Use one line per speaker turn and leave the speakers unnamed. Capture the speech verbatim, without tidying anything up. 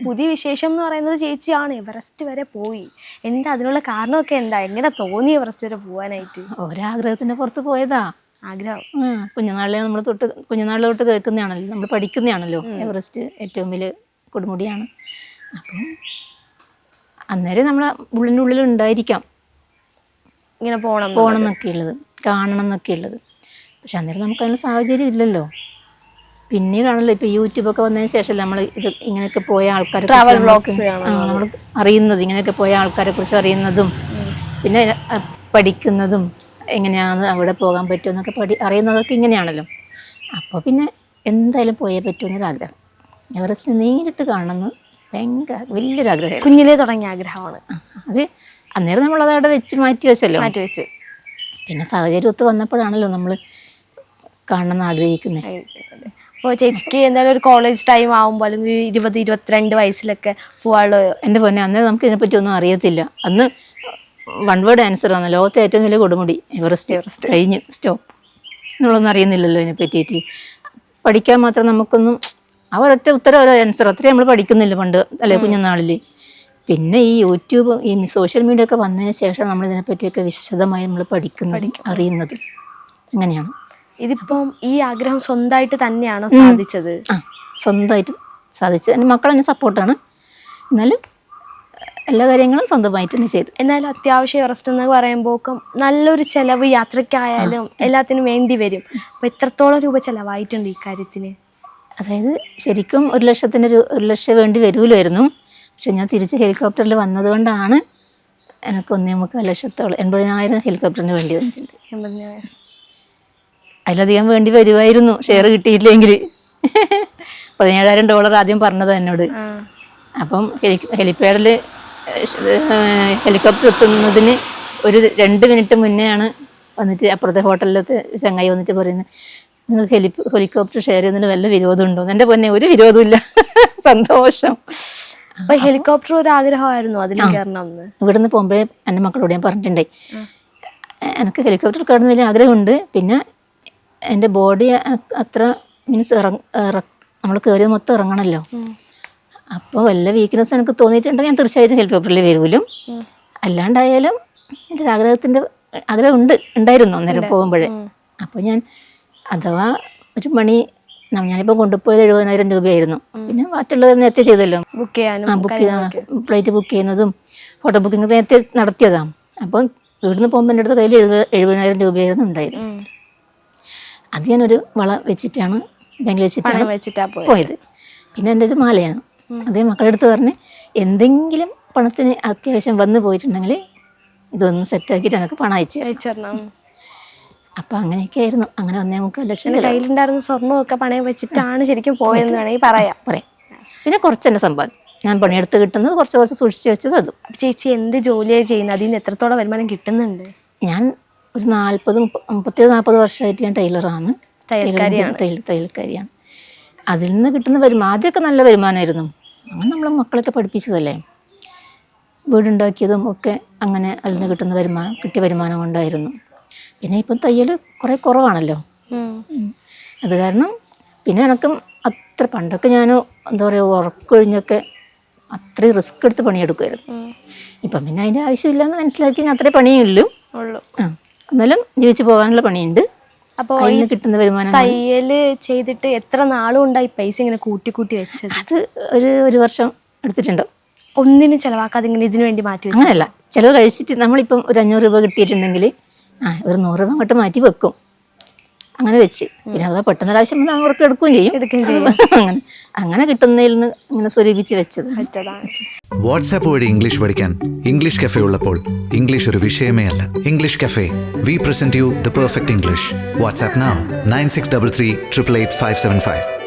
പുതിയ വിശേഷം എന്ന് പറയുന്നത് ചേച്ചിയാണ് എവറസ്റ്റ് വരെ പോയി. എന്താ അതിനുള്ള കാരണമൊക്കെ എന്താ? എങ്ങനെ തോന്നി എവറസ്റ്റ് വരെ പോകാനായിട്ട്?
ഒരാഗ്രഹത്തിന്റെ പുറത്ത് പോയതാ.
ആഗ്രഹം
കുഞ്ഞുനാളിലെ നമ്മൾ തൊട്ട് കുഞ്ഞുനാളിൽ തൊട്ട് കേൾക്കുന്നതാണല്ലോ, നമ്മൾ പഠിക്കുന്നതാണല്ലോ എവറസ്റ്റ് ഏറ്റവും വലിയ കൊടുമുടിയാണ്. അപ്പം അന്നേരം നമ്മളെ ഉള്ളിൻ്റെ ഉള്ളിൽ ഉണ്ടായിരിക്കാം
ഇങ്ങനെ പോകണം
പോകണം എന്നൊക്കെ ഉള്ളത്, കാണണം എന്നൊക്കെ ഉള്ളത്. പക്ഷെ അന്നേരം നമുക്ക് അതിനുള്ള സാഹചര്യം ഇല്ലല്ലോ. പിന്നീടാണല്ലോ ഇപ്പോൾ യൂട്യൂബൊക്കെ വന്നതിന് ശേഷം നമ്മൾ ഇത് ഇങ്ങനെയൊക്കെ പോയ ആൾക്കാരെ
ട്രാവൽ വ്ളോഗ്സ്
നമ്മൾ അറിയുന്നത്, ഇങ്ങനെയൊക്കെ പോയ ആൾക്കാരെ കുറിച്ച് അറിയുന്നതും പിന്നെ പഠിക്കുന്നതും എങ്ങനെയാണ് അവിടെ പോകാൻ പറ്റുമെന്നൊക്കെ പഠി അറിയുന്നതൊക്കെ ഇങ്ങനെയാണല്ലോ. അപ്പോൾ പിന്നെ എന്തായാലും പോയേ പറ്റുമെന്നൊരാഗ്രഹം. എവറസ്റ്റ് നേരിട്ട് കാണണമെന്ന് ഭയങ്കര വലിയൊരാഗ്രഹം,
കുഞ്ഞിലേ തുടങ്ങിയ ആഗ്രഹമാണ്
അത്. അന്നേരം നമ്മളത് അവിടെ വെച്ച് മാറ്റി വെച്ചല്ലോ,
മാറ്റി വെച്ച്.
പിന്നെ സാഹചര്യം ഒത്ത് വന്നപ്പോഴാണല്ലോ നമ്മൾ കാണണമെന്ന് ആഗ്രഹിക്കുന്നത്.
അപ്പോൾ ചേച്ചിക്ക് എന്തായാലും ഒരു കോളേജ് ടൈം ആകുമ്പോൾ അല്ലെങ്കിൽ ഇരുപത് ഇരുപത്തിരണ്ട് വയസ്സിലൊക്കെ പോകാനുള്ള.
എൻ്റെ പൊന്നെ, അന്നേരം നമുക്ക് ഇതിനെപ്പറ്റി ഒന്നും അറിയത്തില്ല. അന്ന് വൺ വേർഡ് ആൻസർ ആണ്, ലോകത്തെ ഏറ്റവും വലിയ കൊടുമുടി എവറസ്റ്റ്, എവറസ്റ്റ് കഴിഞ്ഞ് സ്റ്റോപ്പ് നമ്മളൊന്നും അറിയുന്നില്ലല്ലോ ഇതിനെ പറ്റിയിട്ട്. പഠിക്കാൻ മാത്രം നമുക്കൊന്നും ആ ഒരൊറ്റ ഉത്തരം ഒരു ആൻസർ അത്രയും നമ്മൾ പഠിക്കുന്നില്ല പണ്ട് അല്ലെ കുഞ്ഞുനാളിൽ. പിന്നെ ഈ യൂട്യൂബ് ഈ സോഷ്യൽ മീഡിയ ഒക്കെ വന്നതിന് ശേഷം നമ്മൾ ഇതിനെപ്പറ്റിയൊക്കെ വിശദമായി നമ്മൾ പഠിക്കുന്നത് അറിയുന്നത് അങ്ങനെയാണ്.
ഇതിപ്പം ഈ ആഗ്രഹം സ്വന്തമായിട്ട് തന്നെയാണോ സാധിച്ചത്?
ആ, സ്വന്തമായിട്ട് സാധിച്ചത്. എൻ്റെ മക്കൾ എന്നെ സപ്പോർട്ടാണ്, എന്നാലും എല്ലാ കാര്യങ്ങളും സ്വന്തമായിട്ട് തന്നെ ചെയ്തു.
എന്നാലും അത്യാവശ്യം എവറസ്റ്റ് എന്ന് പറയുമ്പോൾ നല്ലൊരു ചിലവ് യാത്രയ്ക്കായാലും എല്ലാത്തിനും വേണ്ടി വരും. അപ്പോൾ എത്രത്തോളം രൂപ ചിലവായിട്ടുണ്ട് ഈ കാര്യത്തിന്?
അതായത് ശരിക്കും ഒരു ലക്ഷത്തിൻ്റെ ഒരു ലക്ഷം വേണ്ടി വരുമല്ലായിരുന്നു. പക്ഷെ ഞാൻ തിരിച്ച് ഹെലികോപ്റ്ററിൽ വന്നതുകൊണ്ടാണ് എനിക്ക് ഒന്നേ മുക്കാൽ ലക്ഷത്തോളം എൺപതിനായിരം ഹെലികോപ്റ്ററിന് വേണ്ടി വന്നിട്ടുണ്ട്.
എൺപതിനായിരം
അതിലധികം വേണ്ടി വരുമായിരുന്നു ഷെയർ കിട്ടിയില്ലെങ്കിൽ. പതിനേഴായിരം ഡോളർ ആദ്യം പറഞ്ഞത് എന്നോട്. അപ്പം ഹെലി ഹെലിപ്പാഡിൽ ഹെലികോപ്റ്റർ എത്തുന്നതിന് ഒരു രണ്ട് മിനിറ്റ് മുന്നെയാണ് വന്നിട്ട് അപ്പുറത്തെ ഹോട്ടലിലത്തെ ചങ്ങായി വന്നിട്ട് പറയുന്നത്, നിങ്ങൾക്ക് ഹെലി ഹെലികോപ്റ്റർ ഷെയർ ചെയ്യുന്നതിന് വല്ല വിരോധമുണ്ടോ? എൻ്റെ പൊന്നെ, ഒരു വിരോധമില്ല, സന്തോഷം.
അപ്പൊ ഹെലികോപ്റ്റർ ഒരു ആഗ്രഹമായിരുന്നു അതിൽ കയറണം എന്ന്.
ഇവിടുന്ന് പോകുമ്പോഴേ എൻ്റെ മക്കളോട് ഞാൻ പറഞ്ഞിട്ടുണ്ടായി, എനിക്ക് ഹെലികോപ്റ്റർ കയറുന്ന വലിയ ആഗ്രഹമുണ്ട്. പിന്നെ എൻ്റെ ബോഡി അത്ര മീൻസ് ഇറങ്ങ നമ്മൾ കയറിയത് മൊത്തം ഇറങ്ങണമല്ലോ. അപ്പോൾ വല്ല വീക്ക്നെസ് എനിക്ക് തോന്നിയിട്ടുണ്ടെങ്കിൽ ഞാൻ തീർച്ചയായിട്ടും ഹെലികോപ്റ്ററിൽ വരുമല്ലോ. അല്ലാണ്ടായാലും എൻ്റെ ഒരു ആഗ്രഹത്തിൻ്റെ ആഗ്രഹം ഉണ്ട് ഉണ്ടായിരുന്നു അന്നേരം പോകുമ്പോഴേ. അപ്പോൾ ഞാൻ അഥവാ ഒരു മണി ഞാനിപ്പോൾ കൊണ്ടുപോയത് എഴുപതിനായിരം രൂപയായിരുന്നു. പിന്നെ മറ്റുള്ളത് നേരത്തെ ചെയ്തല്ലോ,
ബുക്ക് ചെയ്യാനും
ആ ബുക്ക് ഫ്ലൈറ്റ് ബുക്ക് ചെയ്യുന്നതും ഹോട്ടൽ ബുക്കിംഗ് നേരത്തെ നടത്തിയതാണ്. അപ്പം ഇവിടുന്ന് പോകുമ്പോൾ എൻ്റെ അടുത്ത് കയ്യിൽ എഴുപത് എഴുപതിനായിരം രൂപയായിരുന്നു ഉണ്ടായിരുന്നു. അത് ഞാനൊരു വള വെച്ചിട്ടാണ് ബാങ്കിൽ വെച്ചിട്ടാണ്
വെച്ചിട്ടാണ്
പോയത്. പിന്നെ എൻ്റെ ഒരു മാലയാണ്, അതേ മക്കളുടെ അടുത്ത് പറഞ്ഞ് എന്തെങ്കിലും പണത്തിന് അത്യാവശ്യം വന്നു പോയിട്ടുണ്ടെങ്കിൽ ഇതൊന്ന് സെറ്റാക്കിയിട്ട് എനിക്ക് പണം അയച്ചു
അയച്ചിരണം.
അപ്പം അങ്ങനെയൊക്കെ ആയിരുന്നു. അങ്ങനെ ഒന്നേ മുക്കാൽ ലക്ഷം
കയ്യിലുണ്ടായിരുന്ന സ്വർണ്ണമൊക്കെ പണയം വെച്ചിട്ടാണ് ശരിക്കും പോയെന്ന് വേണമെങ്കിൽ പറയാം
പറയാം പിന്നെ കുറച്ച് എൻ്റെ സമ്പാദ്യം ഞാൻ പണിയെടുത്ത് കിട്ടുന്നത് കുറച്ച് കുറച്ച് സൂക്ഷിച്ച് വെച്ചത് അതും.
ചേച്ചി എന്ത് ജോലിയാണ് ചെയ്യുന്നത്? അതിൽ നിന്ന് എത്രത്തോളം വരുമാനം കിട്ടുന്നുണ്ട്?
ഞാൻ ഒരു നാൽപ്പത് മുപ്പത്തേഴ് നാൽപ്പത് വർഷമായിട്ട് ഞാൻ ടൈലറാണ്,
തയ്യൽക്കാരിയാണ്
ടൈലർ തയ്യൽക്കാരിയാണ്. അതിൽ നിന്ന് കിട്ടുന്ന വരുമാനം ആദ്യമൊക്കെ നല്ല വരുമാനമായിരുന്നു. അങ്ങനെ നമ്മൾ മക്കളൊക്കെ പഠിപ്പിച്ചതല്ലേ, വീടുണ്ടാക്കിയതും ഒക്കെ അങ്ങനെ അതിൽ നിന്ന് കിട്ടുന്ന വരുമാനം കിട്ടിയ വരുമാനം കൊണ്ടായിരുന്നു. പിന്നെ ഇപ്പം തയ്യൽ കുറേ കുറവാണല്ലോ, അത് കാരണം പിന്നെ എനക്കും അത്ര പണ്ടൊക്കെ ഞാൻ എന്താ പറയുക ഉറക്കൊഴിഞ്ഞൊക്കെ അത്രയും റിസ്ക് എടുത്ത് പണിയെടുക്കുമായിരുന്നു. ഇപ്പം പിന്നെ അതിൻ്റെ ആവശ്യമില്ലെന്ന് മനസ്സിലാക്കി ഞാൻ അത്രേ പണിയേ ഉള്ളൂ
ഉള്ളൂ
ആ എന്നാലും ജീവിച്ച് പോകാനുള്ള പണിയുണ്ട്.
അപ്പോൾ
അതിൽ കിട്ടുന്ന വരുമാനം
തയ്യൽ ചെയ്തിട്ട് എത്ര നാളും ഉണ്ടായി പൈസ ഇങ്ങനെ കൂട്ടി കൂട്ടി വെച്ചത്?
അത് ഒരു ഒരു വർഷം എടുത്തിട്ടുണ്ടോ.
ഒന്നിനും ചിലവാക്കാതെ ഇങ്ങനെ ഇതിനു വേണ്ടി മാറ്റി വെച്ചു?
അങ്ങനെയല്ല, ചിലവ് കഴിച്ചിട്ട് നമ്മളിപ്പം ഒരു അഞ്ഞൂറ് രൂപ കിട്ടിയിട്ടുണ്ടെങ്കിൽ ആ ഒരു നൂറ് രൂപ അങ്ങോട്ട് മാറ്റി വെക്കും, അങ്ങനെ വെച്ച്. പിന്നെ അത് പെട്ടെന്ന് ഒരാവശ്യം വന്നാൽ അവർക്ക് എടുക്കുകയും ചെയ്യും
എടുക്കുകയും ചെയ്യും
അങ്ങനെ അങ്ങനെ കിട്ടുന്നതിൽ നിന്ന് ഇങ്ങനെ സ്വരൂപിച്ച് വെച്ചത്.
വാട്സാപ്പ് വഴി ഇംഗ്ലീഷ് പഠിക്കാൻ ഇംഗ്ലീഷ് കഫേ ഉള്ളപ്പോൾ ഇംഗ്ലീഷ് ഒരു വിഷയമേ അല്ല. English cafe, we present you the perfect English. WhatsApp now nine six double three triple eight five seven five.